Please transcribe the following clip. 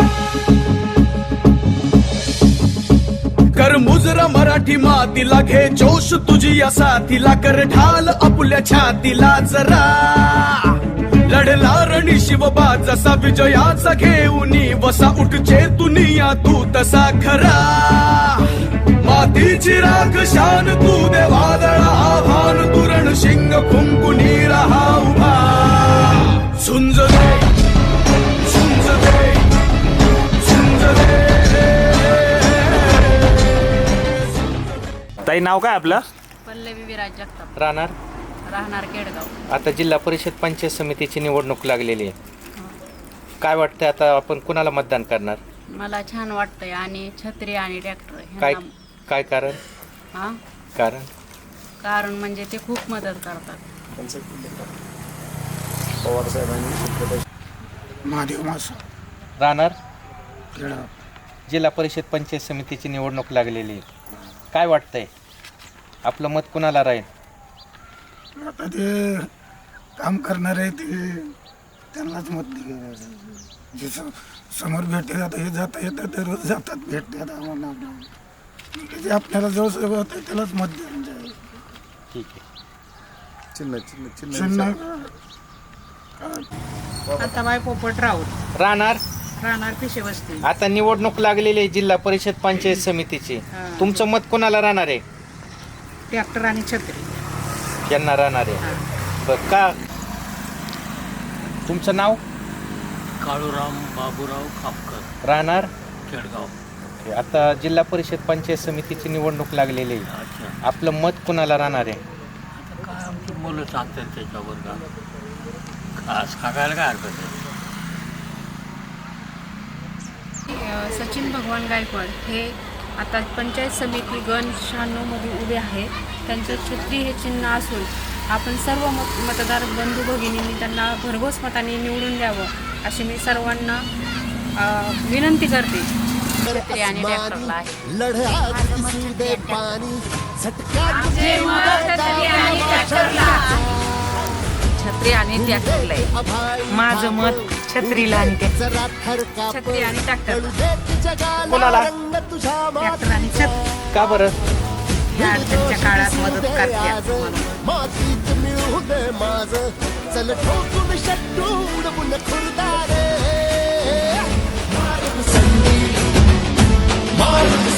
कर मुजरा मराठी मातीला घे जोश तुझी या साथीला कर ढाल आपुल्या छातीला जरा लढला रणि शिवबा जसा विजयाचा घेऊन वसा उठचे दुनिया तू तसा खरा मातीची राख शान तू दे वादळा आव्हान तुरण शिंग फुंकुनी रहा उभा झुंज दे झुंज दे झुंज दे. ताई नाव काय आपलं? पल्लवी विराज जगताप. राहणार केडगाव. आता जिल्हा परिषद पंचायत समितीची निवडणूक लागलेली आहे. काय वाटतंय आता आपण कुणाला मतदान करणार? मला छान वाटतंय आणि छत्री आणि ट्रॅक्टर काय काय कारण? हा कारण म्हणजे ते खूप मदत करतात. महादेव मास राहणार केडगाव. जिल्हा परिषद पंचायत समितीची निवडणूक लागलेली आहे. काय वाटतंय आपलं मत कुणाला राहील? आता ते काम करणारे ते त्यांनाच मत जे समोर भेटते आता हे जाता येतात ते रोज जातात भेटतात आम्हाला जे आपल्याला जवळ सगळं होतं त्यालाच मत देऊन जाईल. ठीक आहे. चिन्ह आता बाय पोपट राऊत राहणार पिशे बसते. आता निवडणूक लागलेली आहे जिल्हा परिषद पंचायत समितीची. तुमचं मत कुणाला राहणार आहे? ट्रॅक्टर आणि छत्री यांना राहणार आहे. बरं का तुमचं नाव? काळूराम बाबूराव खापकर. राहणार केडगाव. आता जिल्हा परिषद पंचायत समितीची निवडणूक लागलेली आहे. अच्छा. आपलं मत कुणाला राहणार आहे? आता काय आमची मुलं सांगतात त्याच्यावर का खास सांगायला काय हरकत आहे. सचिन भगवान गायकवाड हे आता पंचायत समिती गण 96 मध्ये उभे आहे. त्यांचं छत्री हे चिन्ह असून आपण सर्व मतदार बंधू भगिनींनी त्यांना भरघोस मताने निवडून द्यावं अशी मी सर्वांना विनंती करते. छत्री आणि ट्रॅक्टरला आहे. छत्री आणि ट्रॅक्टरला आहे. माझं मत छत्रीला आणि छत्री आणि ट्रॅक्टर. कुणाला? ट्रॅक्टर आणि छत्री का बरं? या अडचणीच्या काळात मदत करतात म्हणून.